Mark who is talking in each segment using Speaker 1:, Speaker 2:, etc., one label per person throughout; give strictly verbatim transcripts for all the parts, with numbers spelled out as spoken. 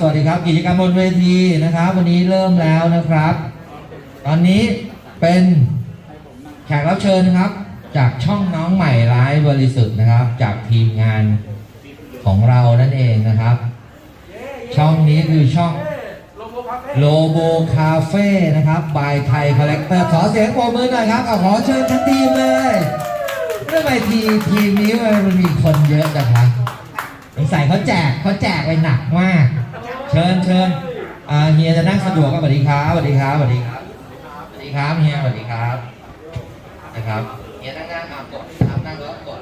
Speaker 1: วัสดีครับกิจกรรมบนเวทีนะครับวันนี้เริ่มแล้วนะครับ ตอนนี้เป็นแขกรับเชิญครับจากช่องน้องใหม่ร้ายบริสุทธิ์นะครับจากทีมงานของเรานั่นเองนะครับ ช่องนี้คือช่องโลโบคาเฟ่นะครับบายไทยคอลเลกเตอร์ขอเสียงปรบมือหน่อยครับเอาขอเชิญทั้งทีมเลยเรื่องไอทีทีมนี้มันมีคนเยอะนะครับสงสัยเขาแจกเขาแจกไปหนักมากเชิญเชิญอ่าเฮียจะนั่งสะดวกก็สวัสดีครับสวัสดีครับสวัสดีครับสวัสดีครับเฮียสวัสดีครับนะครับเฮียนั่งนั่งอ่ากดครับนั่งแล้วกด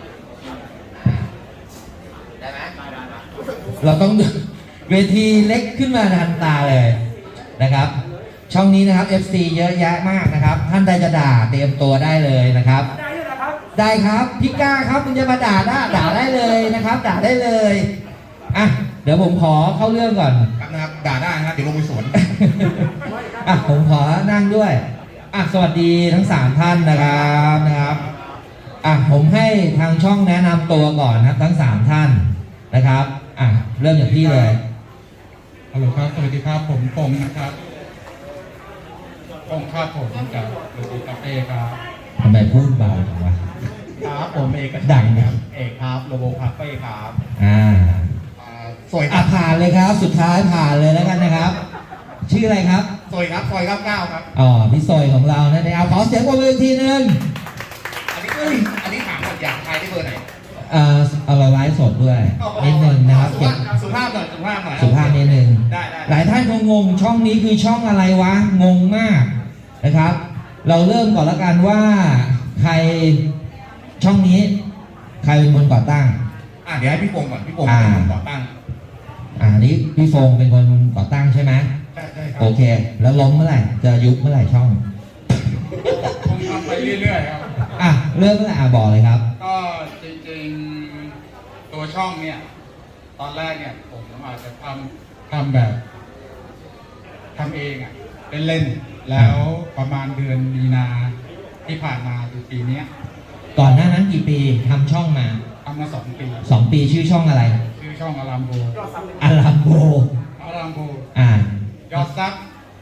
Speaker 1: ได้ไหมเราต้องเวทีเล็กขึ้นมาทันตาเลยนะครับช่องนี้นะครับ เอฟ ซี เยอะแยะมากนะครับท่านใดจะด่าเตรียมตัวได้เลยนะครับได้ครับพี่ก้าครับคุณจะมาด่าได้ด่าได้เลยนะครับด่าได้เลยอ่ะเดี๋ยวผมขอเข้าเรื่องก่อน
Speaker 2: นะครับด่าได้นะครับเดี๋ยวลงไปสวน
Speaker 1: อ่ะผมขอนั่งด้วยอ่ะสวัสดีทั้งสามท่านนะครับนะครับอ่ะผมให้ทางช่องแนะนำตัวก่อนนะครับทั้งสามท่านนะครับอ่ะเริ่มจากพี่เลย
Speaker 2: ฮัลโหลครับสวัสดีครับผมปงนะครับปงครับผมจากโลโบคาเฟ่ครับ
Speaker 1: ทำไมพูดเบาจังวะ
Speaker 2: ครับผมเอก
Speaker 1: ดัง
Speaker 2: ครับเอกครับโลโบคาเฟ่ครับ
Speaker 1: อ่า
Speaker 2: สวย
Speaker 1: อ่ะผ่านเลยครับสุดท้ายผ่านเลยแล้วกันนะครับชื่ออะไรครับ
Speaker 2: สวยครับซอยเก้าเก้าครับ
Speaker 1: อ๋อพี่ซอยของเรานั่นเองเอาขอเสียงปรบมือทีนึง
Speaker 2: อันนี้อันนี้ถามหมดอย่างใครได้เบอร์ไหน
Speaker 1: อ่าเอาเราไลฟ์สดด้วยนิดนึงนะครับ
Speaker 2: สุภาพหน่อยสุภาพหน่อย
Speaker 1: สุภาพนิดนึง
Speaker 2: ได้ได้
Speaker 1: หลายท่านคงงงช่องนี้คือช่องอะไรวะงงมากนะครับเราเริ่มก่อนแล้วกันว่าใครช่องนี้ใครเป็นคนก่อตั้ง
Speaker 2: อ่ะเดี๋ยวให้พี่ฟงก่อนพี่ฟงเป็นคนก่อตั้ง
Speaker 1: อ่านี้พี่ฟงเป็นคนก่อตั้งใช่ไหม
Speaker 2: ใช่ใช่ครับ
Speaker 1: โอเคแล้วล้มเมื่อไหร่จะยุบเมื่อไหร่ช่อง
Speaker 2: ผมทำไปเรื่อยๆครับ
Speaker 1: อ่ะเริ่มตั้งแต่อ่ะบอกเลยครับ
Speaker 2: ก็จริงๆตัวช่องเนี่ยตอนแรกเนี่ยผมอาจจะทำทำแบบทำเองอ่ะเล่นๆแล้วประมาณเดือนมีนาที่ผ่านมาคือปีนี้
Speaker 1: ก่อนหน้านั้นกี่ปีทำช่องมา
Speaker 2: ทำมาสองปี
Speaker 1: สองปีชื่อช่องอะไร
Speaker 2: ชื่อช่องอารามโบ
Speaker 1: อารามโบ
Speaker 2: อารามโบ
Speaker 1: อ่าย
Speaker 2: อดซับ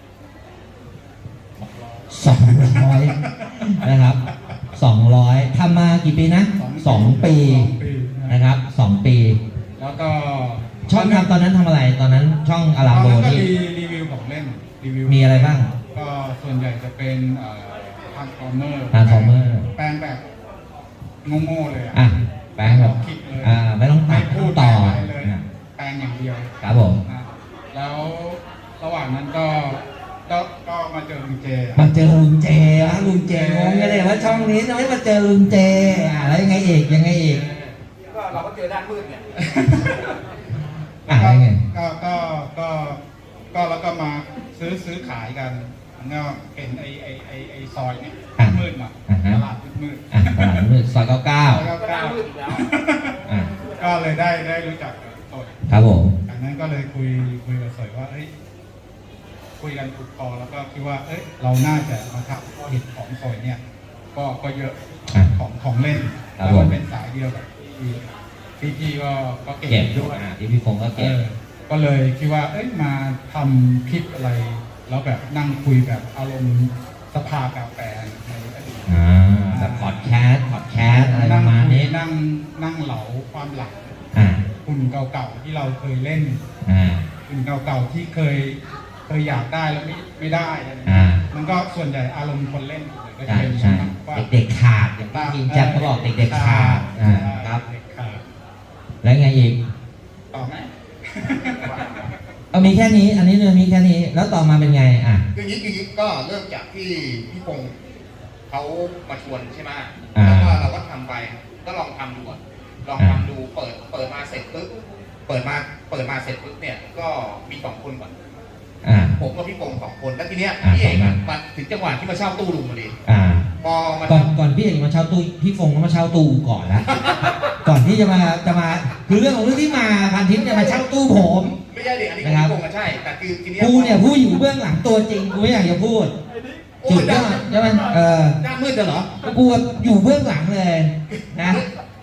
Speaker 1: สองร้อยนะครับสองร้อยทำมากี่ปีนะสองปีนะครับสองปี
Speaker 2: แล้วก็
Speaker 1: ช่องทำตอนนั้นทำอะไรตอนนั้นช่องอารามโบ
Speaker 2: นี่รีวิวของเล่นรีวิว
Speaker 1: มีอะไรบ้าง
Speaker 2: ก็ส่วนใหญ่จะเป็นทรานส์ฟอร์เมอร์
Speaker 1: ทรานส์ฟอร์เมอร์
Speaker 2: แปลงแบบโง่ๆเลย
Speaker 1: อ่ะแปลงแบบอ่าไม่ต้องตัด
Speaker 2: พูด
Speaker 1: ต่อ
Speaker 2: เลยแปลงอย่างเดียว
Speaker 1: ครับผม
Speaker 2: แล้วระหว่างนั้นก็ก็ก็มาเจอลุงเจ
Speaker 1: มาเจอลุงเจวะลุงเจงงกันเลยว่าช่องนี้ทำไมมาเจอลุงเจอ่ะแล้วยังไงอีกยังไงอีก
Speaker 2: ก็เราก็เจอด้านมืดเนี่ย
Speaker 1: อ่ะยังไง
Speaker 2: ก็ก็ก็ก็แล้วก็มาซื้อซื้อขายกันก็เห็นไอไอไอไอซอยเนี่ยมืดมาตลาดมืด
Speaker 1: ตลาดมืดซอยเก้าเก้า
Speaker 2: เก้ามืดอีกแล้วก็เลยได้ได้รู้จักสอย
Speaker 1: ครับผม
Speaker 2: จากนั้นก็เลยคุยคุยกับสอยว่าเอ้ยคุยกันถูกคอแล้วก็คิดว่าเอ้ยเราน่าจะมาทำเห็ดของสอยเนี่ยก็ก็เยอะของของเล่นแล้วมันเป็นสายเดียวกับที่พี่พี่ก็ก็เก็บด้วย
Speaker 1: ที่พี่ฟงก็เก็บ
Speaker 2: ก็เลยคิดว่าเอ้ยมาทำคลิปอะไรแล้วแบบนั่งคุยแบบอารมณ์สภากาแฟในอดีต
Speaker 1: อ่าแบบพอดแคสต์พอดแคสต์อะไรประมาณนี้
Speaker 2: นั่งนั่งเหลาความหลังหุ่นเก่าๆที่เราเคยเล่นหุ่นเก่าๆที่เคยเคยอยากได้แล้วไม่ไม่ได้มันก็ส่วนใหญ่อารมณ์คนเล่นก็จะเป็น
Speaker 1: เด็กๆขาดอย่างที่กินจัดเขาบอกเด็กๆขาดครับแล้วไงอีก
Speaker 2: ต่อไหม
Speaker 1: เอามีแค่นี้อันนี้เรื่องมีแค่นี้แล้วต่อมาเป็นไงอ่ะ
Speaker 2: คืออย่างนี้คือก็เริ่มจากที่พี่พงศ์เขามาชวนใช่ไหมแล้วก็เราก็ทำไปก็ลองทำดูลองทำดูเปิดเปิดมาเสร็จปุ๊บเปิดมาเปิดมาเสร็จปุ๊บเนี่ยก็มีสองคนก่อนผมกับพี่พงศ์สองคนแล้วทีเนี้ยพี่เอกมาถึงจังหวะที่มาเช่าตู้ลุงมาเลย
Speaker 1: พอมาก่อนก่อนพี่เอกมาเช่าตู้พี่ฟงก็มาเช่าตู้ก่อนนะก่อนที่จะมาจะมาคือเรื่องของเรื่องที่มาพันทิพย์จะมาเช่าตู้ผม
Speaker 2: ไม่ใช่เด็กอันนี้พี่ฟงก็ใช่แต่คือทีนี้
Speaker 1: กูเนี่ยผู้อยู่เบื้องหลังตัวจริงกูไม่อยากจะพูดจุดยอดใช่ไหมเออ
Speaker 2: หน้ามืดเหรอ
Speaker 1: กูอยู่เบื้องหลังเลยนะ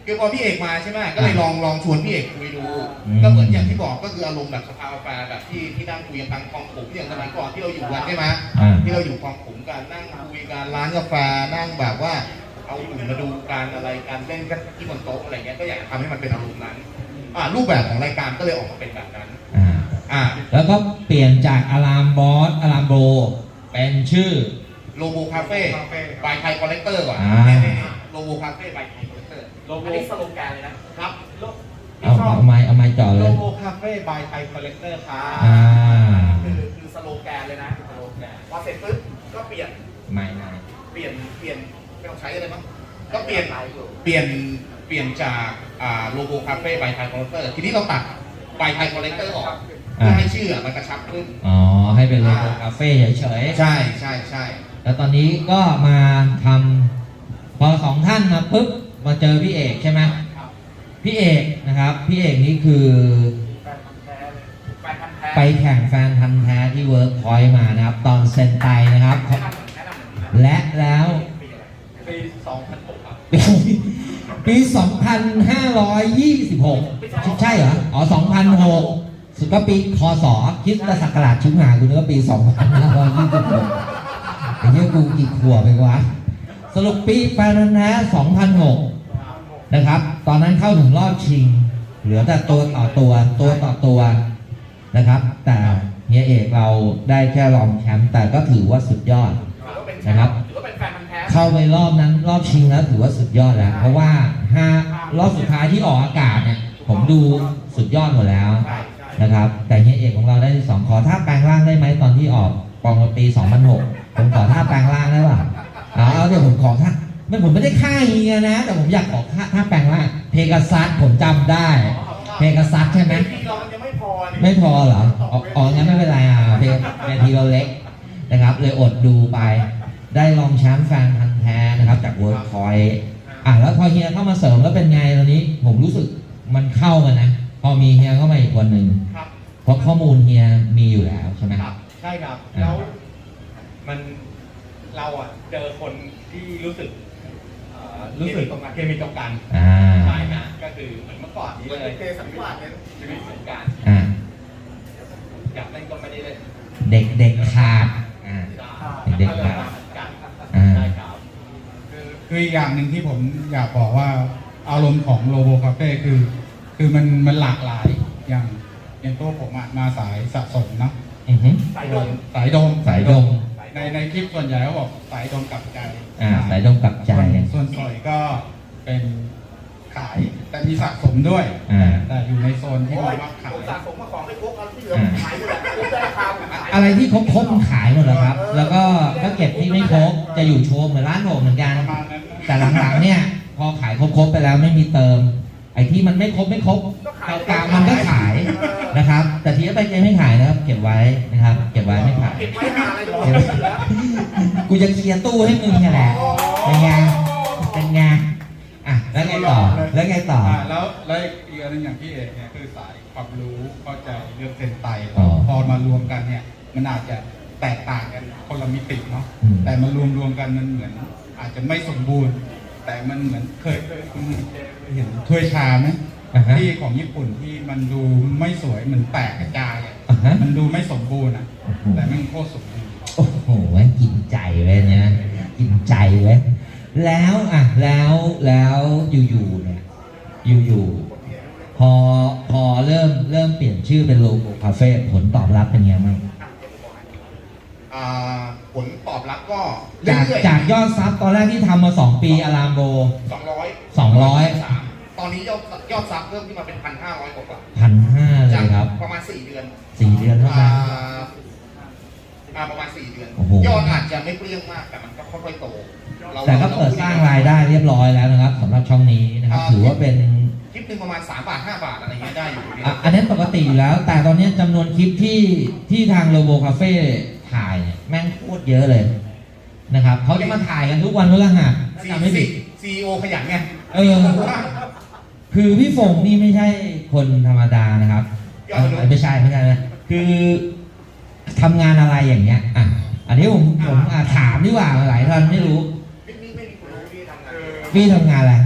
Speaker 2: คือพอพี่เอกมาใช่ไหมก็เลยลองลองชวนพี่เอกคุยดู
Speaker 1: อืม
Speaker 2: ก็เหมือนอย่างที่บอกก็คืออารมณ์แบบสภากาแฟแบบที่ที่นั่งคุยกันกลางคลองขุมอย่างสมัยก่อนที่เราอยู่กันใช่ไหม
Speaker 1: อ่า
Speaker 2: ที่เราอยู่คลองขุมกันนั่งคุยกันร้านกาแฟนั่งแบบว่าเอาอุ่นมาดูการอะไรการเล่นกันที่บนโต๊ะอะไรเงี้ยก็อยากทำให้มันเป็นอารมณ์นั้นอ่ารูปแบบของรายการก็เลยออกมาเป็นแบบนั้น
Speaker 1: อ่า
Speaker 2: อ่า
Speaker 1: แล้วก็เปลี่ยนจากอารามบอสอารามโบเป็นชื่อ
Speaker 2: โลโบคาเฟ่บายไทยคอลเลกเตอร์ก่อน
Speaker 1: อ่า
Speaker 2: โลโบคาเฟ่บายไทยคอลเลกเตอร์
Speaker 3: โลโก้
Speaker 4: อันนี้สโลแกนเลยนะครับ
Speaker 2: โล
Speaker 1: เอาเอาไม้เอาไม้จ่อ
Speaker 3: โล
Speaker 1: เลย
Speaker 3: โก้คาเฟ่บายไทยคอลเลกเตอร์ครับ
Speaker 1: อ่า
Speaker 4: คือคือสโลแกนเลยนะสโลแกนพอเสร็จปุ๊บก็เปลี่ยน
Speaker 1: ไม้ไม้
Speaker 2: เปลี่ยนเปลี่ยนไม่ต้องใช้อะไรมั้งก็เปลี่ยน
Speaker 4: หลายอยู่
Speaker 2: เปลี่ยนเปลี่ยนจากอ่าโลโบคาเฟ่บายไทยคอลเลกเตอร์ทีนี้เราตัดบายไทยคอลเลกเตอร์ออกเพื่อให้ชื่อมันกระชับขึ้น
Speaker 1: อ๋อ ให้เป็นโลโก้คาเฟ่เฉยๆ
Speaker 2: ใช่ใช่ใช่
Speaker 1: แล้วตอนนี้ก็มาทำพอสองท่านมาปุ๊บมาเจอพี่เอกใช่ไหมพี่เอกนะครับ พี่เอกนี่คือ
Speaker 4: แฟนพันธุ์แท้เลยแฟนพันธุ์แท้
Speaker 1: ไปแข่งแฟนพันธ์แท้ที่เวิร์กพอยต์มานะครับ ตอนเซนไตนะครับ
Speaker 4: แนะนำเหมือนแนะนำเหมือนกัน
Speaker 1: และแล้ว
Speaker 4: ปีอะไร
Speaker 3: ปีสองพันหกครับ
Speaker 1: ปีปี สองพันห้าร้อยยี่สิบหก ใช่เหรอ อ๋อ สองพันหก สุดก็ปีคศคริสตศักราชชิบหายกูนึกว่าปี สองพันห้าร้อยยี่สิบหก ไอ้เนี้ยกูกี่ขวบไปวะ สรุปปีแฟนพันธ์แท้ สองพันหก นะครับ ตอนนั้นเข้าถึงรอบชิง เหลือแต่ตัวต่อตัว ตัวต่อตัวนะครับ แต่เฮียเอกเราได้แค่รองแชมป์แต่ก็ถือว่าสุดยอด
Speaker 4: ถือว่าเป็น
Speaker 1: นะครับ
Speaker 4: ถือว่าเป็นแฟนพันธุ์แท้
Speaker 1: เข้าไปรอบนั้นรอบชิงแล้วถือว่าสุดยอดแล้ว เพราะว่าห้ารอบสุดท้ายที่ออกอากาศเนี่ยผมดูสุดยอดหมดแล้ว
Speaker 4: ใช่ใช่
Speaker 1: นะครับ แต่เฮียเอกของเราได้ที่สองขอท่าแปลงร่างได้ไหมตอนที่ออกปองปี สองพันหก ผมขอท่าแปลงร่างได้ป่ะเอาเอาเดี๋ยวผมขอท่าไม่ผมไม่ได้ฆ่าเฮียนะ แต่ผมอยากขอท่าท่าแปลงร่างเพกาซัสผมจำได้ เพกาซัสใช่ไหม
Speaker 4: ที่เรามันยังไม่พอนี่
Speaker 1: ไม่พอเหรออ๋ออ๋องั้นไม่เป็นไรอ่ะเพลงเวทีเราเล็กนะครับ เลยอดดูไป ได้รองแชมป์แฟนพันธ์แท้นะครับจากเวิร์คพอยต์อ่ะแล้วพอเฮียเข้ามาเสริมแล้วเป็นไงตอนนี้ ผมรู้สึกมันเข้ากันนะ พอมีเฮียเข้ามาอีกคนหนึ่ง
Speaker 2: ครับ
Speaker 1: เพราะข้อมูลเฮียมีอยู่แล้วใช่ไหม
Speaker 2: ครับ
Speaker 3: ใช่ครับ แล้วมันเราอ่ะเจอคนที่รู้สึกเอ่อรู้สึกเคมีตรงกัน
Speaker 1: อ่า
Speaker 3: ใช่นะก็คือเหมือนเมื่อก่อนนี้
Speaker 4: เหมือน
Speaker 3: เลย
Speaker 4: เทสันนิวาสเนี่ย
Speaker 3: ชีวิตเหมือนกัน
Speaker 1: อ่า
Speaker 3: อยากเล่นก็ไม่ได้เล่น
Speaker 1: เด็กเด็กขาดอ่า เด็ก
Speaker 3: ก็
Speaker 1: ๆ
Speaker 3: เลยมาเหมือนกัน
Speaker 1: อ่า
Speaker 3: ใช่ครับ
Speaker 5: คือคืออีกอย่างหนึ่งที่ผมอยากบอกว่าอารมณ์ของโลโบคาเฟ่คือ คือมันมันหลากหลายอย่างอย่างตัวผมอะมาสายสะสมเนาะ
Speaker 1: อือฮึ
Speaker 4: สายดม
Speaker 5: สายโดม
Speaker 1: สายดม
Speaker 5: ในในคลิปส่วนใหญ่เขาบอกสายโดมกลับใจ
Speaker 1: อ่าสายดมกลับใจ
Speaker 5: ส่วนส่วนสอยก็เป็นขายแต่มีสะสมด้วย
Speaker 1: อ่า
Speaker 5: แต่อยู่ในโซนที่
Speaker 4: โอ้
Speaker 5: บ
Speaker 4: ย
Speaker 5: อกว่าขาย
Speaker 4: ผมสะสมมาของไม่ครบเอาที่เหลือผมขายหมดแหละครบได้ราคาผมขาย
Speaker 1: อะไรที่ครบครบมันขายหมดแล้วครับ แล้วก็ถ้าเก็บที่ไม่ครบจะอยู่โชว์เหมือนร้านผมเหมือนกัน
Speaker 5: ประมาณนั้นนะ
Speaker 1: แต่หลังๆเนี่ยพอขายครบๆไปแล้วไม่มีเติม ไอ้ที่มันไม่ครบไม่ครบกลางๆมันก็ขายนะครับ แต่ทีนี้ไปเจไม่ขายนะครับ เก็บไว้นะครับ เก็บไว้ไม่ขาย
Speaker 4: เก็บไว้หาอะไรอยู่เหลือ
Speaker 1: กูจะเคลียร์ตู้ให้มึงแค่แหละเป็นไงเป็นไงอ่ะแล้วไงต่อแล้วไงต่อ
Speaker 5: อ่าแล้วแล้วอีกอันหนึงอย่างพี่เอกเนี่ยคือสายความรู้เข้าใจเรื่องเซนไต
Speaker 1: อ๋อ
Speaker 5: พอมารวมกันเนี่ย มันอาจจะแตกต่างกันคนละมิติเนาะ
Speaker 1: อืม
Speaker 5: แต่มารวมรวมกันมันเหมือน อาจจะไม่สมบูรณ์ แต่มันเหมือนเคยเคยคุณเห็นถ้วยชาไหม
Speaker 1: อ่าฮะ
Speaker 5: ที่ของญี่ปุ่นที่มันดูไม่สวยเหมือนแตกกระจายอะ
Speaker 1: อ่าฮะ
Speaker 5: มันดูไม่สมบูรณ์อ่ะ
Speaker 1: โอ้โห
Speaker 5: แต่มันโคตรสมบูรณ์
Speaker 1: โอ้โหแม่งกินใจเว้ยเนี่ยกินใจเว้ยแล้วอ่ะแล้วแล้วอยู่ๆเนี่ยอยู่ๆพอพอเริ่มเริ่มเปลี่ยนชื่อเป็นโลโก้คาเฟ่ผลตอบรับเป็นไงบ้าง
Speaker 2: อ่าผลตอบรับก็
Speaker 1: จาก
Speaker 2: เรื่อย
Speaker 1: จากยอดซับตอนแรกที่ทำมาสองปีอารามโบ
Speaker 2: สองร้อย
Speaker 1: สองร้อย
Speaker 2: ตอนนี้ยอดยอดซับเพิ่มขึ้นมาเป็นพันห้าร้อยกว่า
Speaker 1: พันห้าเล
Speaker 2: จาก
Speaker 1: ยครับ
Speaker 2: ประมาณสี่เดือน
Speaker 1: สี่เดือนเท่า
Speaker 2: อ่า
Speaker 1: นั้น
Speaker 2: อ่าประมาณสี่เดือน
Speaker 1: โอ้โห
Speaker 2: ยอดอาจจะไม่เปรี้ยงมากแต่มันก็ค่อยๆโตรา
Speaker 1: แต่ก็เปิดสร้างรายได้เรียบร้อยแล้วนะครับสำหรับช่องนี้นะครับ ถือว่าเป็น
Speaker 2: คลิปหนึ่งประมาณสามบาทห้าบาทอะไรเงี้ยได้อยู่เนี่ย
Speaker 1: อ่ะอันนั้นปกติอยู่แล้ว แต่ตอนนี้จำนวนคลิปที่ที่ทางโลโบคาเฟ่ถ่ายเนี่ยแม่งโคตรเยอะเลยนะครับเขาจะมาถ่ายกันทุกวันพฤหัส
Speaker 2: ซี
Speaker 1: จำไม่ผิด
Speaker 2: ซีโอขยันไง
Speaker 1: เออ คือพี่ฝงนี่ไม่ใช่คนธรรมดานะครับเอ่อไม่ใช่ไม่ใช่นะคือทำงานอะไรอย่างเงี้ยอ่ะอันนี้ผมผมอ่ะถามดีกว่าหลายท่านไม่รู้
Speaker 2: ไม่มีไม่มีคนรู้ที่ทำงาน
Speaker 1: พี่ทำงานอะไร
Speaker 5: ค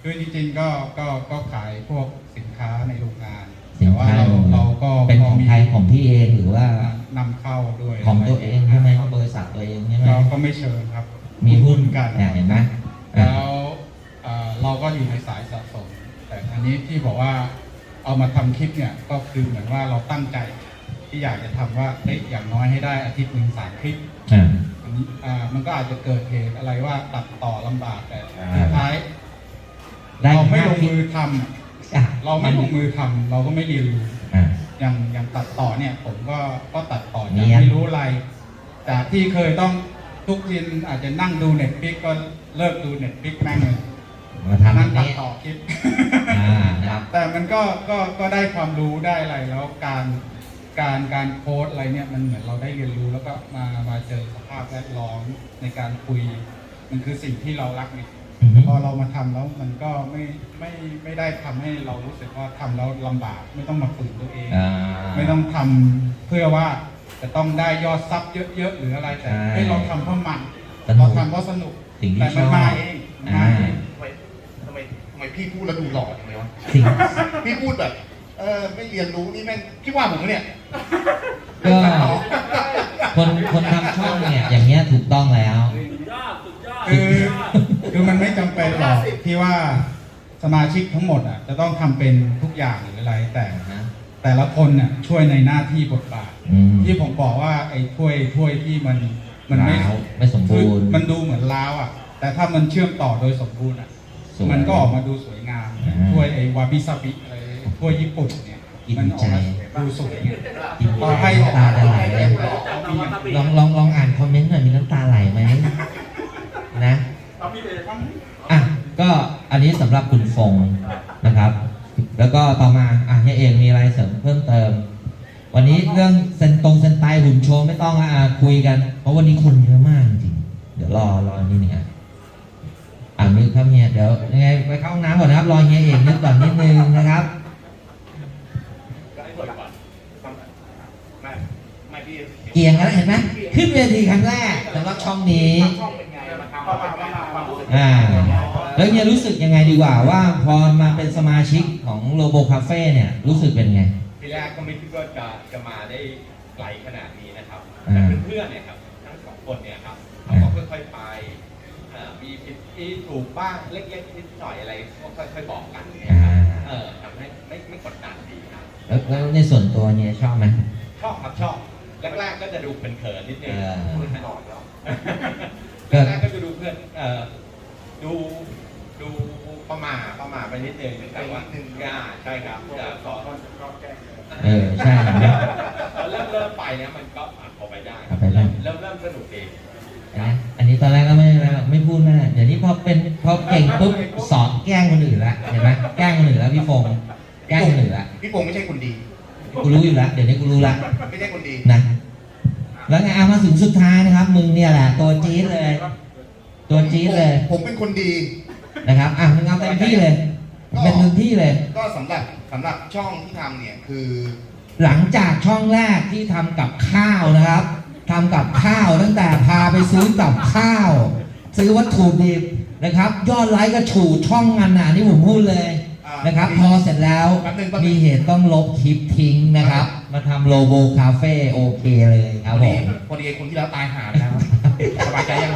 Speaker 5: คือจริงๆก็ก็ก็ขายพวกสินค้าในโรงงาน
Speaker 1: สิน
Speaker 5: แต่ว่า
Speaker 1: ค้า
Speaker 5: เราเราก็
Speaker 1: เป็นของไทยของพี่เองหรือว่า
Speaker 5: นำเข้าด้วย
Speaker 1: ของตัวเองใช่ไหมบริษัทตัวเองใช่ไหม
Speaker 5: เราก็ไม่เชิญครับ
Speaker 1: มีหุ้น
Speaker 5: กัน
Speaker 1: เนี่ยเห็นไหมอ่ะ
Speaker 5: แล้วเอ่อเราก็อยู่ในสายสะสม แต่อันนี้ที่บอกว่าเอามาทำคลิปเนี่ยก็คือเหมือนว่าเราตั้งใจที่อยากจะทำว่าเอ้ยอย่างน้อยให้ได้อาทิตย์หนึ่งสามคลิป
Speaker 1: อ่า
Speaker 5: อันนี้อ่ามันก็อาจจะเกิดเหตุอะไรว่าตัดต่อลำบากแต่
Speaker 1: อ่า
Speaker 5: สุดท้าย
Speaker 1: ได้
Speaker 5: เราไม่ล
Speaker 1: ห้าง คลิป
Speaker 5: มือทำ
Speaker 1: อ่ะ
Speaker 5: เราไม่ลงมือทำเราก็ไม่เรียนรู้
Speaker 1: อ่า
Speaker 5: อย่างอย่างตัดต่อเนี่ยผมก็ก็ตัดต่อ
Speaker 1: เนี
Speaker 5: จาก
Speaker 1: ยน
Speaker 5: ไม่รู้อะไรจากที่เคยต้องทุกยินอาจจะนั่งดูเน็ตฟิกก็เลิกดูเน็ตฟิกแม่งเลย
Speaker 1: มาทำแบ
Speaker 5: นั่
Speaker 1: บ
Speaker 5: งตัด
Speaker 1: นี้
Speaker 5: ต่อคลิป
Speaker 1: อ่านะครับ
Speaker 5: แต่มันก็ก็ก็ได้ความรู้ได้อะไรแล้วการการการโค้ดอะไรเนี่ยมันเหมือนเราได้เรียนรู้แล้วก็มามาเจอสภาพแวดล้อมในการคุย มันคือสิ่งที่เรารักเนี่ย
Speaker 1: อือฮึ
Speaker 5: พอเรามาทำแล้วมันก็ไม่ไม่ไม่ได้ทำให้เรารู้สึกว่าทำแล้วลำบาก ไม่ต้องมาฝืนตัวเอง
Speaker 1: อ่า
Speaker 5: ไม่ต้องทำเพื่อว่าจะต้องได้ยอดซับเยอะๆหรืออะไรแต่
Speaker 1: ใช่
Speaker 5: ให้เราทำเพราะมัน
Speaker 1: สนุก
Speaker 5: เราทำเพราะสนุก
Speaker 1: สิ่งที่
Speaker 5: แต่มัน
Speaker 1: ชอบ
Speaker 5: มาเองมันมาเอง
Speaker 2: ทำไมทำไมทำไมพี่พูดแล้วดูหล่อจังเลยวะ
Speaker 1: สิ่ง
Speaker 2: พี่พูดแบบ เออไม่เรียนรู้นี่แม่งพี่ว่าผมปะเนี่ย
Speaker 1: ก็คนคนทำช่องเนี่ยอย่างเงี้ยถูกต้องแล้ว
Speaker 5: คือคือมันไม่จำเป็นหรอกที่ว่าสมาชิกทั้งหมดอ่ะจะต้องทำเป็นทุกอย่างหรืออะไร แต่
Speaker 1: นะ
Speaker 5: แต่ละคนน่ะช่วยในหน้าที่บทบาท
Speaker 1: อืม
Speaker 5: ที่ผมบอกว่าไอ้ถ้วยถ้วยที่มันมันไม่
Speaker 1: ร้าวไม่สมบูรณ์
Speaker 5: คือมันดูเหมือนล้าวอ่ะ แต่ถ้ามันเชื่อมต่อโดยสมบูรณ์อ่ะ
Speaker 1: สวย
Speaker 5: มันก็ออกมาดูสวยงาม
Speaker 1: อ่า
Speaker 5: ถ้วยไอ้วาบิซาบิอะไรถ้วยญี่ปุ่นเนี่ย
Speaker 1: กิน
Speaker 5: มันออกมา
Speaker 1: ใจ
Speaker 5: ดูสวยไง
Speaker 1: กิน
Speaker 5: พอให้
Speaker 1: น้ำตาจะไหลเลย
Speaker 5: เอามีอย่างอื่น
Speaker 1: ลองลองลองอ่านคอมเมนต์หน่อยมีน้ำตาไหลไหมนะอ่ะก็อันนี้สำหรับคุณฟงนะครับ แล้วก็ต่อมาอ่ะเฮียเอกมีอะไรเสริมเพิ่มเติม วันนี้เรื่องเซนตรงเซนไตหุ่นโชว์ไม่ต้องละอ่ะคุยกัน เพราะวันนี้คนเยอะมากจริงๆเดี๋ยวรอรอนี่เนี่ยอ่านนึกครับเฮียเดี๋ยวยังไงไปเข้าห้องน้ำก่อนนะครับรอเฮียเอกนึกก่อนนิดนึงนะครับ
Speaker 2: ก็ให้เปิดก่อนไม่ไม่พี่
Speaker 1: เกียงกันแล้วเห็นไหมขึ้นเวทีครั้งแรกสำหรับช่องนี้
Speaker 2: ช่องเป็นไงมาทำมาเป็นไงความรู้สึก
Speaker 1: อ่าแล้วเนี่ยรู้สึกยังไงดีกว่าว่าพอมาเป็นสมาชิกของโลโบคาเฟ่เนี่ยรู้สึกเป็นไง
Speaker 3: ทีแรกก็ไม่คิดว่าจะจะมาได้ไกลขนาดนี้นะครับ
Speaker 1: อ่า
Speaker 3: แต่เพื่อนๆเนี่ยครับทั้งสองคนเนี่ยครับเขาก็ค่อยๆไปเอ่อมีผิดที่ถูกบ้างเล็กๆนิดหน่อยอะไรก็ค่อยๆบอกกันเนี่ยครับเออทำให้ไม่ไม่กดดันดีครับ
Speaker 1: แล้วแล้วในส่วนตัวเนี่ยชอบไหม
Speaker 3: ชอบครับชอบแรกๆก็จะดูเขินๆนิดนึง
Speaker 1: เออ
Speaker 3: พูดตลอดแล้ว
Speaker 1: ก็
Speaker 3: แรกๆก็จะดูเพื่อนเอ่อดูดูประมาทประมาทไปนิดนึงแต่ว่าหนึ่งอ่าใช่ครับจะสอน
Speaker 1: เออใช่เห็นไหม
Speaker 3: เริ่มเริ่มไปเนี่ยมันก็อ่ะเอาไปได้
Speaker 1: เอาไปได้
Speaker 3: เริ่มเริ่มสนุกเอง
Speaker 1: เห็นไหมอันนี้ตอนแรกก็ไม่ไม่ไม่พูดไม่ได้เดี๋ยวนี้พอเป็นพอเก่งปุ๊บสอนแกล้งคนอื่นละเห็นไหมแกล้งคนอื่นแล้วพี่ฟงแกล้งคนอื่นละ
Speaker 2: พี่ปงไม่ใช่คนดี
Speaker 1: กูรู้อยู่แล้วเดี๋ยวนี้กูรู้ละ
Speaker 2: ไม่ใช่คนดี
Speaker 1: นะแล้วไงเอามาถึงสุดท้ายนะครับ มึงเนี่ยแหละตัวจี๊ดเลย ตัวจี๊ดเลย
Speaker 2: ผมเป็นคนดี
Speaker 1: นะครับอ่ะมึงเอาเต็มที่เลยเป็นเต็มที่เลย
Speaker 2: ก็สำหรับสำหรับช่องที่ทำเนี่ยคือ
Speaker 1: หลังจากช่องแรกที่ทำกับข้าวนะครับทำกับข้าวตั้งแต่พาไปซื้อกับข้าว ซื้อวัตถุดิบนะครับ ยอดไลค์ก็ฉูดช่องงานหนานี่ผมพูดเลย
Speaker 2: อ่าน
Speaker 1: นะครับ พอเสร็จแล้ว
Speaker 2: แป๊บนึงแป๊บนึง
Speaker 1: มีเหตุต้องลบคลิปทิ้งนะครับ มาทำโลโบคาเฟ่โอเคเลยค
Speaker 2: พ
Speaker 1: รับ
Speaker 2: อ
Speaker 1: ผ
Speaker 2: ดี
Speaker 1: ม
Speaker 2: พอดีไอ้คนที่แล้วตายหาไปแล้วสบายใจยัง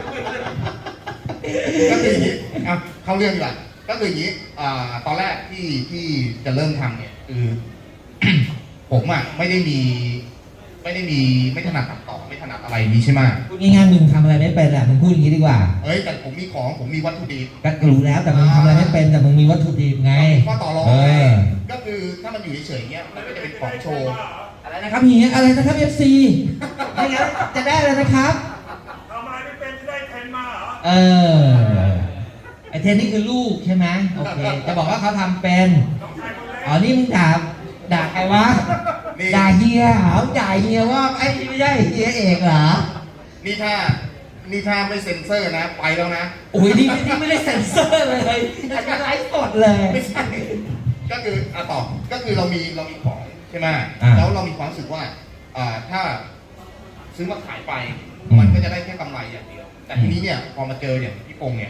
Speaker 2: ก็คืออย่างนี้อ่ะเข้าเรื่องดีกว่าก็คืออย่างนี้อ่าตอนแรกที่ที่จะเริ่มทำเนี่ยคือ ผมอ่ะไม่ได้มี ไม่ได้มีไม่ถนัดตัดต่อไม่ถนัดอะไรนี้ใช่ไหม
Speaker 1: พูดง่ายๆมึงทำอะไรไม่เป็นแหละมึงพูดอย่างนี้ดีกว่า
Speaker 2: เอ้ยแต่ผมมีของผมมีวัตถุดิบ
Speaker 1: ก็รู้แล้วแต่มึงทำอะไรไม่เป็นแต่มึงมีวัตถุดิบไง
Speaker 2: ข้อต่อรอง
Speaker 1: เอ
Speaker 2: ไง
Speaker 1: อ
Speaker 2: ก็คือถ้ามันอยู่เฉยๆเงี้ยมันก็จะเป็นของโชว์
Speaker 1: อะไรนะครับเฮียอะไรนะครับ เอฟ ซี ไม่งั้นจะได้เลยนะครับ
Speaker 6: ทำอะไรไม่เป็นจะได้เทรนมาเหรอ
Speaker 1: เออ ไอเทนนี่คือลูกใช่ไหมโอเค จะบอกว่าเขาทำเป็น
Speaker 6: ต้องใช้คนเล็ก
Speaker 1: อ๋อ นี่มึงด่า ด่าใครวะ
Speaker 2: นี่
Speaker 1: ด่าเฮียเหรอด่าเฮียว่าไอ้ไม่ใช่เฮียเอกเหรอ
Speaker 2: นี่ถ้านี่ถ้าไม่เซ็นเซอร์นะ ไปแล้วนะ
Speaker 1: โอ้ยนี่นี่ไม่ได้เซ็นเซอร์เลยอันนี้ไลฟ์สดเลย
Speaker 2: ไม่ใช่ ก็คืออ่ะต่อก็คือเรามีเรามีของใช่ไหม
Speaker 1: อ่า
Speaker 2: แล้วเรามีความรู้สึกว่าอ่าถ้าซื้อมาขายไป
Speaker 1: อืม
Speaker 2: มันก็จะได้แค่กำไรอย่างเดียว แต่ทีนี้เนี่ยพอมาเจออย่างพี่ปงเนี่ย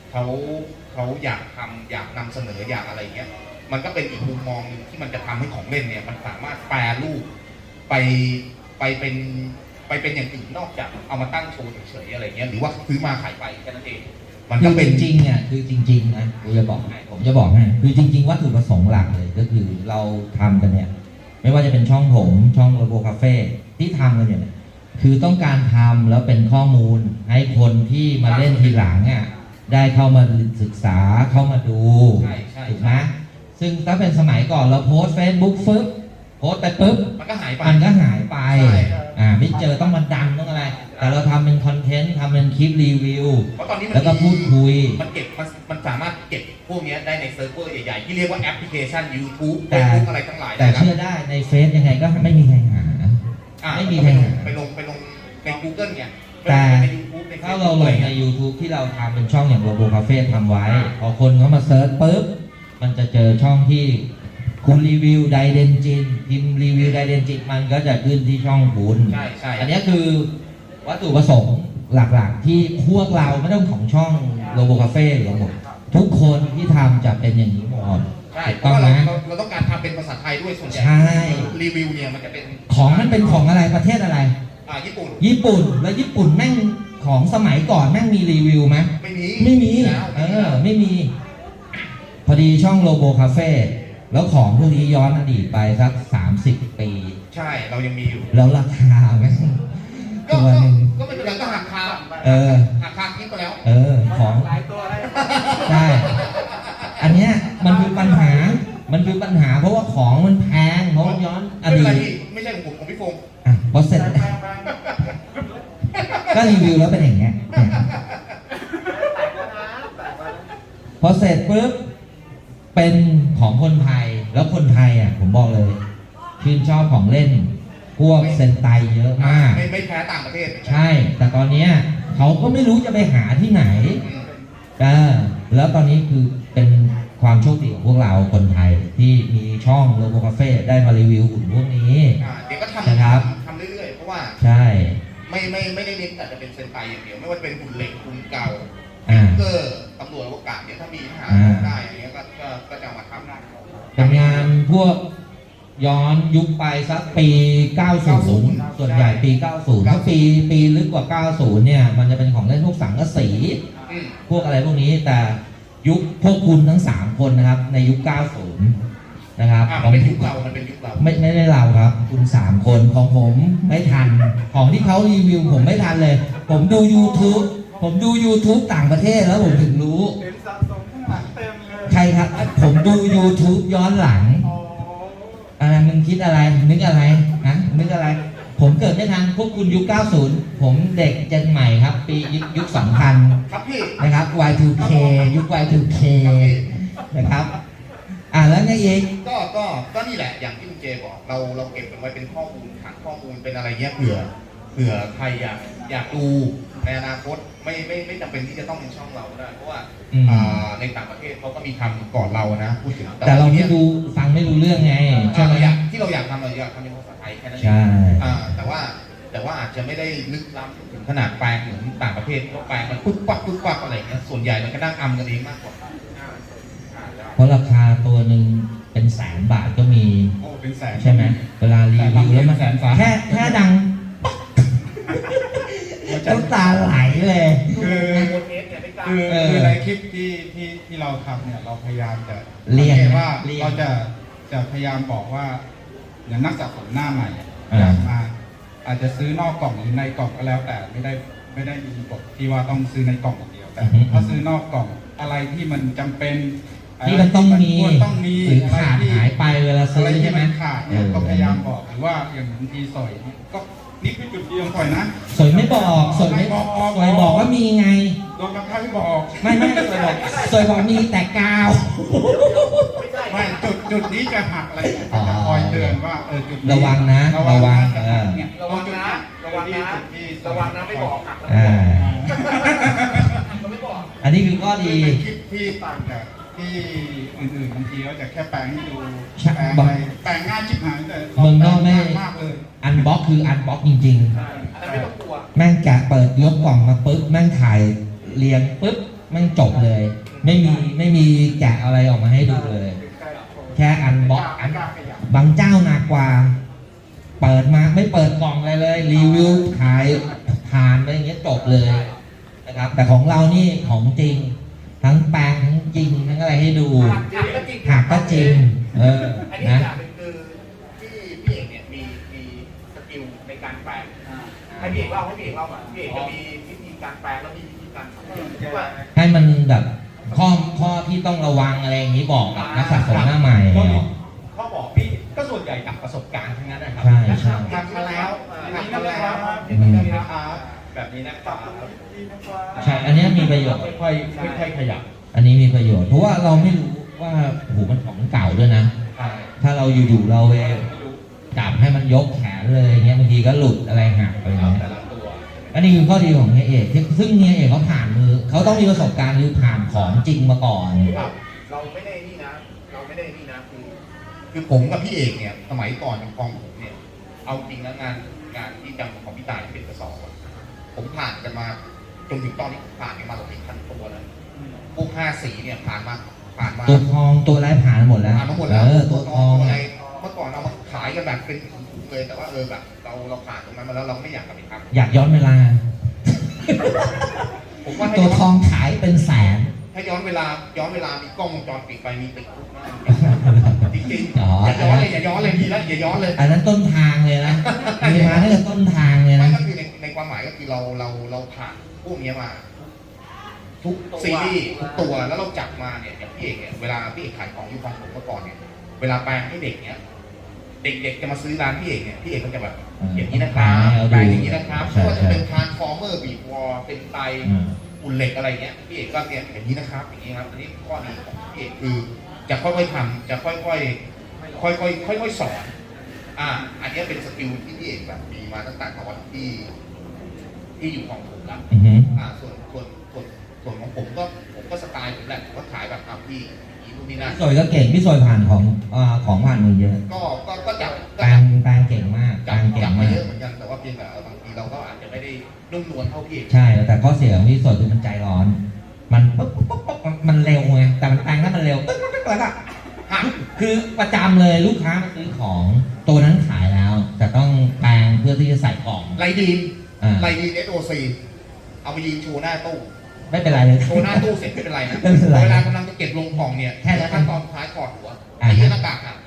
Speaker 2: เขาเขาอยากทำอยากนำเสนออยากอะไรเงี้ยมันก็เป็นอีกมุมมองหนึ่งที่มันจะทำให้ของเล่นเนี่ยมันสามารถแปรรูปไปไปเป็นไปเป็นอย่างอื่นนอกจากเอามาตั้งโชว์เฉยๆอะไรเงี้ยหรือว่าซื้อมาขายไปแค่นั้นเองมัน
Speaker 1: คื
Speaker 2: ก็
Speaker 1: อ
Speaker 2: เป็น
Speaker 1: จริงๆอ่ะคือจริงๆนะผมจะบอกให้ผมจะบอกให้คือจริง ๆ วัตถุประสงค์หลักเลยก็คือเราทำกันเนี่ย ไม่ว่าจะเป็นช่องผมช่องโลโบคาเฟ่ที่ทำกันเนี่ยคือต้องการทำแล้วเป็นข้อมูลให้คนที่มาเล่นทีหลังอ่ะได้เข้ามาศึกษาเข้ามาดู
Speaker 2: ใช่ใช่
Speaker 1: ถูกไหมซึ่งถ้าเป็นสมัยก่อนเราโพสเฟซบุ๊กฟึ๊บโพสไปปุ๊บ
Speaker 2: มันก็หายไป
Speaker 1: มันก็หายไป
Speaker 2: ใช่
Speaker 1: อ่าไม่เจอต้องมาดันต้องอะไร แต่เราทำเป็นคอนเทนต์ทำเป็นคลิปรีวิว
Speaker 2: เพราะตอนนี้มัน
Speaker 1: แล้วก็พูดคุย
Speaker 2: มันเก็บมันมันสามารถเก็บพวกเนี้ยได้ในเซิร์ฟเวอร์ใหญ่ๆที่เรียกว่าแอปพลิเคชัน YouTube
Speaker 1: แต่
Speaker 2: Facebook อะไรทั้งหลาย
Speaker 1: แต่
Speaker 2: นะครับ
Speaker 1: เชื่อได้ในเฟซยังไงก็ไม่มีใครหา
Speaker 2: อ่ะ
Speaker 1: ไม่มีใครหา
Speaker 2: ไปลงไปลงใน Google เนี่ย
Speaker 1: แต่
Speaker 2: ใน YouTube ใน
Speaker 1: ถ้าเราล
Speaker 2: Facebook
Speaker 1: งใน YouTube ที่เราทำเป็นช่องอย่างโลโบคาเฟ่ทำไว้ พอคนเขามาเซิร์ชปุ๊บ มันจะเจอช่องที่คุณรีวิวไดเดนจินพิมพ์รีวิวไดเดนจินมันก็จะขึ้นที่ช่องคุณ
Speaker 2: ใช่ใช่
Speaker 1: อันนี้คือวัตถุประสงค์หลักๆ ที่พวกเราไม่ต้องของช่องโลโบคาเฟ่หรือหมดทุกคนที่ทำจะเป็นอย่างนี้หมด
Speaker 2: ใช่
Speaker 1: ถูก
Speaker 2: เพ
Speaker 1: ต้อ
Speaker 2: ราะ
Speaker 1: ง
Speaker 2: ว่าเรา
Speaker 1: นะ
Speaker 2: เราเราต้องการทำเป็นภาษาไทยด้วยส่วนใหญ่
Speaker 1: ใช่
Speaker 2: รีวิวเนี่ยมันจะเป็น
Speaker 1: ของมันเป็นของอะไรประเทศอะไร
Speaker 2: อ่าญี่ปุ่น
Speaker 1: ญี่ปุ่นแล้วญี่ปุ่นแม่งของสมัยก่อนแม่งมีรีวิวไหม
Speaker 2: ไม่มี
Speaker 1: ไม่มี
Speaker 2: แล้ว
Speaker 1: เออ ไม่มี พอดีช่องโลโบคาเฟ่แล้วของพวกนี้ย้อนอดีตไปสักสามสิบปี
Speaker 2: ใช่เรายังมีอยู่
Speaker 1: แล้วราคาแม่ง
Speaker 2: ก็
Speaker 1: ตัว
Speaker 2: ก็
Speaker 1: หนึ่ง
Speaker 2: ก็ไม่เป็นไรก็หักคา
Speaker 1: เออ
Speaker 2: หักคาคิดไปแล้ว
Speaker 1: เออ ของ
Speaker 4: หลายตัวเลย
Speaker 1: ใช่ อันเนี้ยมันคือปัญหา มันคือปัญหาเพราะว่าของมันแพง เพราะว่าย้อนอ
Speaker 2: ไม่เป็น
Speaker 1: ดี
Speaker 2: ไร
Speaker 1: ต
Speaker 2: พี่ไม่ใช่ของผมของพี่ฟง
Speaker 1: อ่ะพอเสร็จ ก็รีวิวแล้วเป็นอย่างเงี้ยเนี่ยพอเสร็จปุ๊บ เป็นของคนไทย แล้วคนไทยอ่ะ ผมบอกเลย ชื่นชอบของเล่น พวกเซนไตเยอะมาก
Speaker 2: ไม่ไม่แพ้ต่างประเทศ
Speaker 1: ใช่ แต่ตอนเนี้ยเขาก็ไม่รู้จะไปหาที่ไหน
Speaker 2: อืม
Speaker 1: อ่าแล้วตอนนี้คือเป็นความโชคดีของพวกเราคนไทยที่มีช่องโลโบคาเฟ่ได้มารีวิวหุ่นพวกนี้
Speaker 2: อ่าเดี๋ยวก็ท
Speaker 1: นะครับ
Speaker 2: ำทำเรื่อยๆ เพราะว่า
Speaker 1: ใช่
Speaker 2: ไม่ไม่ไม่ได้เน้นแต่จะเป็นเซนไตอย่างเดียว ไม่ว่าจะเป็นหุ่นเหล็กหุ่นเก่า
Speaker 1: อ่า
Speaker 2: เกอร์ตำรวจอวกาศเนี่ยถ้ามีหา
Speaker 1: อ่า
Speaker 2: ได้อะไรเงี้ยก็ก็ก็จะเอามาทำ
Speaker 1: เป็นงานพวกย้อนยุคไปสักปี เก้าสิบ ส่วนใหญ่ปี เก้าสิบ ถ้าปีปีลึกกว่า เก้าสิบ เนี่ย มันจะเป็นของเล่นพวกสังกะสี
Speaker 2: อืม
Speaker 1: พวกอะไรพวกนี้ แต่ยุคพวกคุณทั้งสามคนนะครับ ในยุค เก้าสิบ นะครับ
Speaker 2: อ่า
Speaker 1: ข
Speaker 2: มั
Speaker 1: อน ง
Speaker 2: เป็นยุคเรา มันเป็นยุคเรา
Speaker 1: ไม่ไม่ได้เราครับ คุณสามคนของผมไม่ทัน ของที่เขารีวิวผมไม่ทันเลย ผมดู YouTube ผมดู YouTube ต่างประเทศแล้วผมถึงรู้
Speaker 5: เห็นสะสมข้างหลังเต็มเลย
Speaker 1: ใครครับ ผมดู YouTube ย้อนหลัง
Speaker 5: อ๋อ
Speaker 1: อะไรมึงคิดอะไร นึกอะไรฮะนึกอะไร ผมเกิดไม่ทันพวกคุณยุค เก้าสิบ ผมเด็กเจนใหม่ครับ ปียุคยุค สองพัน
Speaker 2: ครับพี่
Speaker 1: นะครับ วาย ทู เค ยุค วาย ทู เค นะครับ อ่าแล้วไงอีก
Speaker 2: ก็ก็ก็นี่แหละอย่างที่คุณเจบอกเราเราเก็บมันไว้เป็นข้อมูลฐานข้อมูลเป็นอะไรเงี้ยเผื่อเผื่อใครอยากอยากดูในอนาคตไม่ไม่ไม่จำเป็นที่จะต้องเป็นช่องเราก็ได้เพราะว่า
Speaker 1: อืม
Speaker 2: อ่าในต่างประเทศเขาก็มีทำก่อนเรานะพูดถึง
Speaker 1: แต่เรา
Speaker 2: ที
Speaker 1: ไม่
Speaker 2: นี้ย
Speaker 1: ดูฟังไม่รู้เรื่องไงใช่
Speaker 2: อ่า
Speaker 1: ไหม
Speaker 2: เราอยากที่เราอยากทำเราอยากทำเป็นภาษาไทยแค่นั้นเอง
Speaker 1: ใช่
Speaker 2: อ่าแต่ว่าแต่ว่าอาจจะไม่ได้ลึกล้ำถึงขนาดแปลงเหมือนต่างประเทศที่เขาแปลงมันปุ๊บปั๊บปุ๊บปั๊บอะไรเงี้ยส่วนใหญ่มันก็นั่งอำกันเองมากกว่า
Speaker 1: เพราะราคาตัวหนึ่งเป็นแสนบาทก็มี
Speaker 5: โอ้เป็นแสน
Speaker 1: ใช่ไหมเวลารีวิวแล้วมัน
Speaker 5: แสนฟ้า
Speaker 1: แค่แค่ดังน้ำตาไหลเลย
Speaker 5: คือ
Speaker 4: โมเทสเนี่ยไม่กล้า
Speaker 5: คือ
Speaker 1: เออ
Speaker 5: คือในคลิปที่ที่ที่เราทำเนี่ยเราพยายามจะ
Speaker 1: เลี่ยง
Speaker 5: สังกตว่า
Speaker 1: เลี่ยง
Speaker 5: เราจะจะพยายามบอกว่าอย่างนักสะสมหน้าใหม่อะ
Speaker 1: อ่า
Speaker 5: อยากมา อาจจะซื้อนอกกล่องหรือในกล่องก็แล้ว แต่ไม่ได้ไม่ได้มีกฎที่ว่าต้องซื้อในกล่องอย่างเดียวแต่ถ้าซื้อนอกกล่องอะไรที่มันจำเป็น
Speaker 1: ที่มันต้องมี
Speaker 5: ควรต้องมี
Speaker 1: หรือ
Speaker 5: อะไร
Speaker 1: ขาด
Speaker 5: ที่
Speaker 1: หายไปเวลาซื้
Speaker 5: อะไร
Speaker 1: อ
Speaker 5: ที่
Speaker 1: ใช่ไหม
Speaker 5: มันขาดเนี่ย
Speaker 1: เออ
Speaker 5: ก็พยายามบอกหรือว่าอย่างบางทีสอยเนี่ยก็นี่คือจุดเดียวสอยนะ
Speaker 1: สวยไม่บอกสวยไม่
Speaker 5: ไม่บอก
Speaker 1: สวยบอกว่ามีไง
Speaker 5: โดนบังคับให้บอก
Speaker 1: ไม่ไม่สวยบอกสวยบอกมีแต่กาว
Speaker 4: ไม่ใช่
Speaker 5: ไม่จุดจุดนี้จะหักอะไรเนี่ย
Speaker 1: อ๋อ
Speaker 5: จะคอยเตือนว่าเออจุดนี้
Speaker 1: ระวังนะ
Speaker 5: ระวัง
Speaker 1: ระวัง
Speaker 5: นะ
Speaker 1: เออ
Speaker 5: เนี่ย
Speaker 4: ระวังนะระวังนะ
Speaker 5: จุดที่
Speaker 4: ระวังนะไม่บอกหักแล้ว
Speaker 1: อ่า
Speaker 4: ก็ไม่บอก
Speaker 1: อันนี้คือข้อ
Speaker 5: ที่
Speaker 1: ดี
Speaker 5: เป็นคลิปที่ต่างจากที่อื่นๆบางทีเขาจะแค่แปลงให้ดู
Speaker 1: ใช่
Speaker 5: แปลงอะไรแปลงง่ายชิบหายแต่
Speaker 1: เมืองนอกไม่
Speaker 5: แปลงยากมากเลย
Speaker 1: อันบ็อกคืออันบ็อกจริง
Speaker 4: ใช่อันนั้นไม่ต้องกลัว
Speaker 1: ๆ แม่งแกะเปิดยกกล่องมาปุ๊บแม่งถ่ายเรียงปุ๊บมันจบเลย ไม่มีไม่มีแกะอะไรออกมาให้ดูเลย แค่อันบ็อกอันบางเจ้าหนักกว่า เปิดมาไม่เปิดกล่องอะไรเลย รีวิวขายผ่านไปอย่างเงี้ยจบเลยนะครับ แต่ของเรานี่ของจริง ทั้งแปลงทั้งจริงทั้งอะไรให้ดู
Speaker 4: หักก็จริง
Speaker 1: หักก็จริง เออ
Speaker 2: อันนี้
Speaker 1: นะ
Speaker 2: อย่างหนึ่งคือที่พี่เอกเนี่ยมีมีสกิลในการแปลงให้พี่เอกเล่าให้พี่เอกเล่าหน่อยพี่เอกจะมีวิธีการแปลงแล้วมีวิธีการทำว่า
Speaker 1: ให้มันแบบข้อข้อที่ต้องระวังอะไรอย่างนี้บอกกับนักสะสมหน้าใหม่
Speaker 3: ก็มี
Speaker 1: เนาะ
Speaker 3: ข้อบอกพี่ก็ส่วนใหญ่จากประสบการณ์ทั้งนั้นนะครับ
Speaker 1: ใช่ใช่
Speaker 3: ทำมาแล้วทำมาแล้ว
Speaker 1: อืม
Speaker 3: แบบนี้นะครับแบบนี้นะครับ
Speaker 1: ใช่อันเนี้ยมีประโยชน์
Speaker 3: ค่อยๆค่อยๆขยับ
Speaker 1: อันนี้มีประโยชน์ เพราะว่าเราไม่รู้ว่าโอ้โหมันของเก่าด้วยนะ
Speaker 3: ใช่
Speaker 1: ถ้าเราอยู่ๆเราไป
Speaker 3: ไม่รู้
Speaker 1: จับให้มันยกแขนเลยเงี้ยบางทีก็หลุดอะไรหักไป
Speaker 3: ครับ
Speaker 1: เงี้ย
Speaker 3: แต่ละตัว
Speaker 1: อันนี้คือข้อดีของเฮียเอกที่ซึ่งเฮียเอกเขาผ่านมือเขาต้องมีประสบการณ์คือผ่านของจริงมาก่อน
Speaker 2: ครับเราไม่ได้นี่นะ เราไม่ได้นี่นะคือคือผมกับพี่เอกเนี่ยสมัยก่อนของกองผมเนี่ยเอาจริงนะงานงานที่จำของพี่ตายที่เป็นกระสอบอะผมผ่านกันมาจนถึงตอนนี้ผ่านกันมาหลายพันตัวแล้วพวกห้าสีเนี่ยผ่านมาผ่านมา
Speaker 1: ตัวทองตัวไรผ่านหมดแล้ว
Speaker 2: ผ่านมาหมดแล้ว
Speaker 1: เออตัวทอง
Speaker 2: อะไร
Speaker 1: อะ
Speaker 2: เมื่อก่อนเรามาขายกันแบบเป็นถุงๆเลยแต่ว่าเออแบบเราเราผ่านตรงนั้นมาแล้วเราไม่อยากกลับไปทำ
Speaker 1: อยากย้อนเวลา
Speaker 2: ผมว่าให้
Speaker 1: ตัว
Speaker 2: ย้อน
Speaker 1: ทองขายเป็นแสน
Speaker 2: ถ้าย้อนเวลาย้อนเวลามีกล้องวงจรปิดไปมีติดคุกมากจริงๆ
Speaker 1: อ๋อ
Speaker 2: อย่าย้อนเลยอย่าย้อนเลยดีแล้วอย่าย้อนเลย
Speaker 1: อันนั้นต้นทางเลยนะมีมาตั้งแต่ต้นทางเลย
Speaker 2: ไม่
Speaker 1: นะ
Speaker 2: ก็คือในในความหมายก็คือเราเราเราผ่านพวกนี้มา ทุกซีรีส์ทุกตัวแล้วเราจับมาเนี่ยอย่างพี่เอกเนี่ยเวลาพี่เอกขายของอยู่ของผมเมื่อก่อนเนี่ยเวลาแปลงให้เด็กเนี่ยเด็กๆจะมาซื้อร้านพี่เอกเนี่ยพี่เอกก็จะแบบอย่างนี้นะครับแปลงอย่างนี้นะครับไม่ว่าจะเป็นทรานส์ฟอร์เมอร์บีบวอลเป็นไต
Speaker 1: อืม
Speaker 2: อุ่นเหล็กอะไรเงี้ยพี่เอกก็เนี่ยอย่างนี้นะครับอย่างนี้ครับอันนี้ข้อดีของพี่เอกคือจะค่อยๆทำจะค่อยๆค่อยๆค่อยๆสอนอ่า อันนี้เป็นสกิลที่พี่เอกแบบมีมาตั้งแต่ตอนที่ที่อยู่ของผมแล้ว
Speaker 1: อือหือ
Speaker 2: อ่าส่วนส่วนส่วนส่วนของผมก็ผมก็สไตล์ผมแหละผมก็ขายแบบอ่ะพี่อย่างนี้นู่นนี่นั่น
Speaker 1: พี่สวยก็เก่งพี่สวยผ่านของอ่าของผ่านมือเยอะ
Speaker 2: ก็ก็ก็จับ
Speaker 1: แปลงแปลงเก่งมากแปล
Speaker 2: จับ
Speaker 1: งเก่
Speaker 2: จั
Speaker 1: ง
Speaker 2: บไป
Speaker 1: มาก
Speaker 2: เยอะเหมือนกันแต่ว่าเพียงแต่บางทีเราก็อาจจะไม่ได้นุ่มนวลเท่าพี่เอก
Speaker 1: ใช่แต่ข้อเสียของพี่สวยคือมันใจร้อน มันปุ๊บปุ๊บปุ๊บปุ๊บมันเร็วไงแต่มันแปลงแล้วมันเร็วปึ๊บปึ๊บปึ๊บแล้วก็หักคือประจำเลยลูกค้ามาซื้อของตัวนั้นขายแล้ว แต่ต้องแปลงเพื่อที่จะใส่กล่อง
Speaker 2: ไรดีน
Speaker 1: อ่า
Speaker 2: ไรดีน เอส โอ ซี เอาไปยืนโชว์หน้าตู้
Speaker 1: ไม่เป็นไรเลย
Speaker 2: โชว์หน้าตู้เสร็จไม่เป็นไรนะ
Speaker 1: ไม่เป็นไร
Speaker 2: เวลากำลังจะเก็บลงกล่องเนี่ย
Speaker 1: แค่นั้น
Speaker 2: ขั้นตอนสุดท้ายถอดหัว
Speaker 1: อ่า
Speaker 2: ไอ้เหี้ยหน้ากากอ่ะ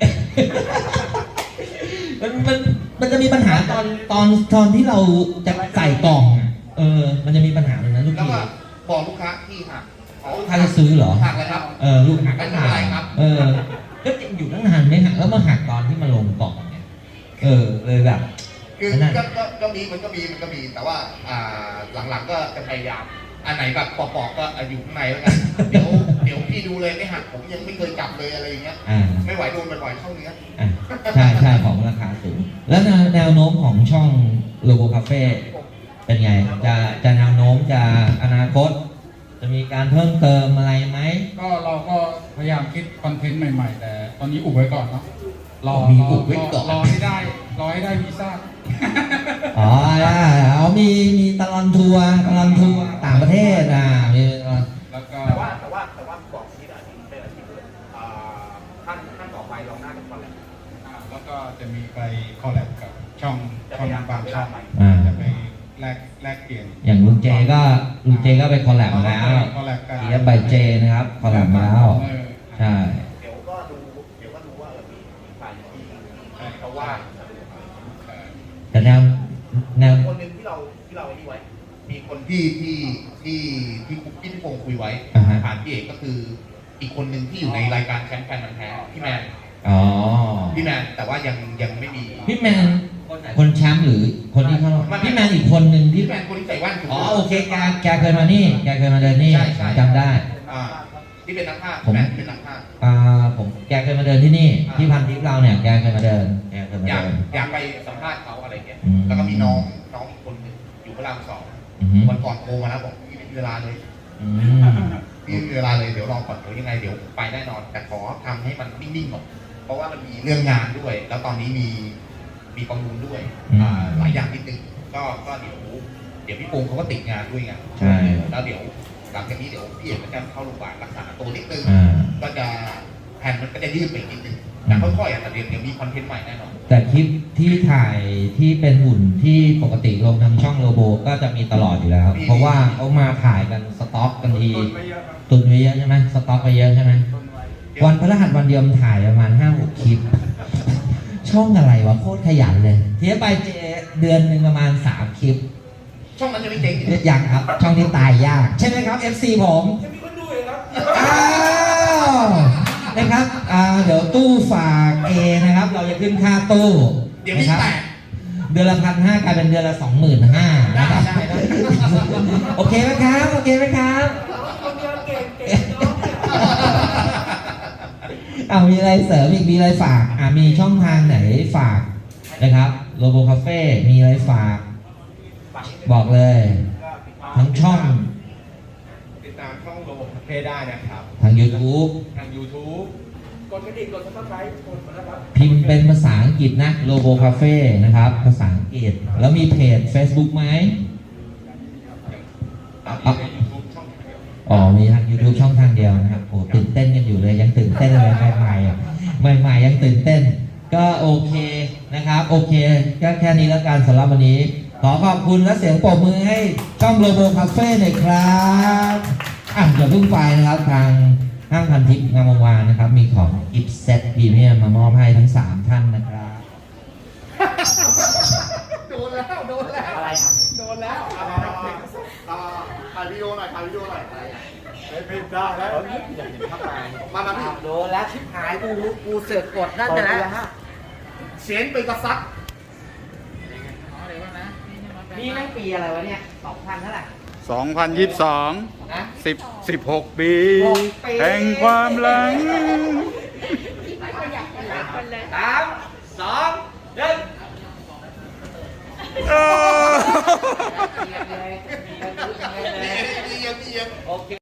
Speaker 1: มันมันมันจะมีปัญหาตอนตอนตอนที่เราจะใส่กล่องอ่ะเออ มันจะมีปัญหาตรงนั้นลูก
Speaker 2: แล้ว
Speaker 1: พี่
Speaker 2: ก็บอกลูกค้าที่หักอ๋อ
Speaker 1: ถ้าจะซื้อเหรอ
Speaker 2: หักเลยครับ
Speaker 1: เออลูกหัก
Speaker 2: ไม่
Speaker 1: ก็
Speaker 2: เป็น
Speaker 1: หั
Speaker 2: ไร
Speaker 1: ก
Speaker 2: ครับ
Speaker 1: เออก็อยู่ตั้งนานไม่หักแล้วมาหักตอนที่มาลงกล่องเนี่ยเออเลยแบบ
Speaker 2: คือ
Speaker 1: นั่น
Speaker 2: ก็ก็ก็มีมันก็มีมันก็มีแต่ว่าอ่าหลังๆก็จะพยายามอันไหนแบบปอกๆก็อ่ะอยู่ข้างในแล้วกันเดี๋ยวเดี๋ยวพี่ดูเลยไม่หักผมยังไม่เคยจับเลยอะไรอย่างเงี้ย
Speaker 1: อ่า
Speaker 2: ไม่ไหวโดนบ่อยๆเข้าเนื้อ
Speaker 1: อ่ะใช่ใช่ของราคาสูงแล้วแนวแนวโน้มของช่องโลโบคาเฟ่เป็นไง จะจะแนวโน้มจะอนาคต จะมีการเพิ่มเติมอะไรไหม
Speaker 5: ก็เราก็พยายามคิดคอนเทนต์ใหม่ๆ แต่ตอนนี้อุบไว้ก่อนเนาะรอ
Speaker 1: มี
Speaker 5: รอ
Speaker 1: อุบไว้ก่อน
Speaker 5: รอให้ได้รอให้ได้วีซ่า
Speaker 1: อ๋อได้เอามีมีตลอนทัวร์ตลอนทัวร์ต่างประเทศอ่ะมีตลอด
Speaker 5: แล้วก็
Speaker 2: แต่ว่าแต่ว่าแต่ว่าบอกที่อาชีพเป็นอาชีพเลยอ่าขั้นขั้นต่อไปเราน่าจะคอนแลบ
Speaker 5: อ่าแล้วก็จะมีไปคอลแลบกับช่องช่องบางช่อง
Speaker 1: อ่า
Speaker 5: จะไปแลกแลกเปลี่ยน
Speaker 1: อย่างลุงเจก็ลุงเจก็ไปคอลแลบมาแล้ว
Speaker 5: คอลแลบกัน
Speaker 1: เทียบใบเจนะครับคอลแลบมาแล้ว
Speaker 5: เออ
Speaker 1: ใช่
Speaker 2: เดี๋ยวก็ดูเดี๋ยวก็ดูว่าเออมีมีใครที่ที่เขาว่า
Speaker 5: เออ
Speaker 1: แต่แนวแนว
Speaker 2: คนหนึ่งที่เราที่เราไอ้นี่ไว้ มีคนที่ที่ที่ที่ที่พี่พงศ์คุยไว้
Speaker 1: อ่าฮะ
Speaker 2: ผ่านพี่เอกก็คือ อีกคนหนึ่งที่อยู่ในรายการแชมป์แฟนมันธุ์แท้พี่แมน
Speaker 1: อ๋อ
Speaker 2: พี่แมนแต่ว่ายังยังไม่มี
Speaker 1: พี่แมนคนแชมป์หรือคนที่เข้ารอบพี่แมนอีกคนหนึ่งที่
Speaker 2: พี่แมนคนที่ใส่แว่นถูก
Speaker 1: อ๋อโอเคแกแกเคยมานี่แกเคยมาเดินนี่
Speaker 2: ใช่ใช่
Speaker 1: จำได้
Speaker 2: อ่าที่เป็นนักภาค
Speaker 1: ผม
Speaker 2: แมนที่เป็นนักภาค
Speaker 1: อ่าผมแกเคยมาเดินที่นี่
Speaker 2: อ่า
Speaker 1: ที่พันทิปเราเนี่ยแกเคยมาเดินแกเคยมา
Speaker 2: อยาก
Speaker 1: เดิน
Speaker 2: อยากไปสัมภาษณ์เขาอะไรเงี้ย
Speaker 1: อืม
Speaker 2: แล้วก็มีน้องน้องอีกคนหนึ่งอยู่พระรามสอง
Speaker 1: อือฮึ
Speaker 2: วันก่อนโทรมาแล้วบอกพี่ไม่มีเวลาเลย
Speaker 1: อืม
Speaker 2: พี่ไม่มีเวลาเลยเดี๋ยวรอก่อนเดี๋ยวยังไงเดี๋ยวไปแน่นอน แต่ขอทำให้มันนิ่งๆก่อนเพราะว่ามันมีเรื่องงานด้วย แล้วตอนนี้มีมีประมูลด้วยอ่าหลายอย่างนิดนึงก็ก็เดี๋ยวเดี๋ยวพี่ปงเขาก็ติดงานด้วยไง
Speaker 1: ใช่
Speaker 2: แล้วเดี๋ยวหลังจากนี้เดี๋ยวพี่เอกก็จะเข้าโรงพยาบาลรักษาตัวนิดนึง
Speaker 1: อ่า
Speaker 2: ก็จะแผ่นมันก็จะยืดไปอีกนิดนึงแต่ค่อยๆอ่ะแต่เดี๋ยวเดี๋ยวมีคอนเทนต์ใหม่แน่นอน
Speaker 1: แต่คลิปที่ถ่ายที่เป็นหุ่นที่ปกติลงทางช่องโลโบก็จะมีตลอดอยู่แล้ว เพราะว่าเขามาถ่ายกันสต็อกกันที
Speaker 5: ต้นไม่เยอะครับ
Speaker 1: ตุนไว้เยอะใช่ไหมสต็อกไปเยอะใช่ไหม
Speaker 5: ต้นไว้
Speaker 1: วันพฤหัสวันเดียวมันถ่ายประมาณห้าหกคลิป ช่องอะไรวะโคตรขยันเลยเทียบไปเจเดือนหนึ่งประมาณสามคลิป
Speaker 2: ช่องนั้นจะไม่เจ๊งอยู่
Speaker 1: ยังครับ ช่องนี้ตายยาก ใช่ไหมครับ เอฟ ซี ผม
Speaker 6: จะมีคนดูอีกครับ
Speaker 1: อ้าวนะครับอ่าเดี๋ยวตู้ฝากเอนะครับ เราจะขึ้นค่าตู้
Speaker 2: เดี๋ยว
Speaker 1: นะ
Speaker 2: พี่
Speaker 1: ครับ
Speaker 2: แตก
Speaker 1: เดือนละพันห้ากลายเป็นเดือนละสองหมื่นห้า
Speaker 2: ได้
Speaker 1: นะครับ
Speaker 2: ได้ได้
Speaker 1: โอเคไหมครับ โอเคไหมครับ
Speaker 6: คนเดียวเก่งเก่งน้องเนี่ย
Speaker 1: เอามีอะไรเสริมอีกมีอะไรฝากอ่ามีช่องทางไหนฝากนะครับโลโบคาเฟ่มีอะไรฝาก บอกเลย ทั้งช่อง
Speaker 3: ติดตามช่องโลโบคาเฟ่ได้นะครับ
Speaker 1: ทาง YouTube
Speaker 3: ทาง YouTube
Speaker 6: กดกระดิ่งกดซับสไครต์กดมาแล้วครับ
Speaker 1: พิมพ์เป็นภาษาอังกฤษนะโลโบคาเฟ่นะครับ ภาษาอังกฤษ แล้วมีเพจ Facebook ไหม
Speaker 3: ตอนนี้ใน YouTube ช่องทางเดียว
Speaker 1: อ๋อ มีทาง YouTube ช่องทางเดียวนะครับโอ้ตื่นเต้นกันอยู่เลย ยังตื่นเต้นเลยใหม่ๆอ่ะใหม่ๆยังตื่นเต้น ก็โอเคนะครับ โอเค ก็แค่นี้แล้วกันสำหรับวันนี้ ขอขอบคุณและเสียงปรบมือให้ช่องโลโบคาเฟ่หน่อยครับอ่ะอย่าเพิ่งไปนะครับ ทางห้างพันทิพย์งามวงวานนะครับ มีของกิฟต์เซตพรีเมียมมามอบให้ทั้งสามท่านนะครับ
Speaker 2: โดนแล้ว โดนแล้ว
Speaker 4: อะไรอ่ะ
Speaker 2: โดนแล้ว
Speaker 4: เอามาเอามาเอามาถ่ายวิดีโอหน่อยถ่ายวิดีโอหน่อย
Speaker 5: ไม่ไม่ได้แล้ว
Speaker 4: มามาพี่
Speaker 7: โดนแล้วชิบหายกูกูเสือกกดนั่นนะนะ
Speaker 4: เสียงเป็นกระซับ
Speaker 7: นี่แม่งปีอะไรวะเนี่ยสองพันเท่าไหร่
Speaker 5: สองพันยี่สิบสอง
Speaker 7: นะ
Speaker 5: สิบสิบหกปี
Speaker 7: หกปี
Speaker 5: แห่งความหลัง
Speaker 7: สามสองหนึ่ง
Speaker 5: เออ
Speaker 7: เรียนเลย
Speaker 2: เอียงเอียงเอียง
Speaker 7: โอเค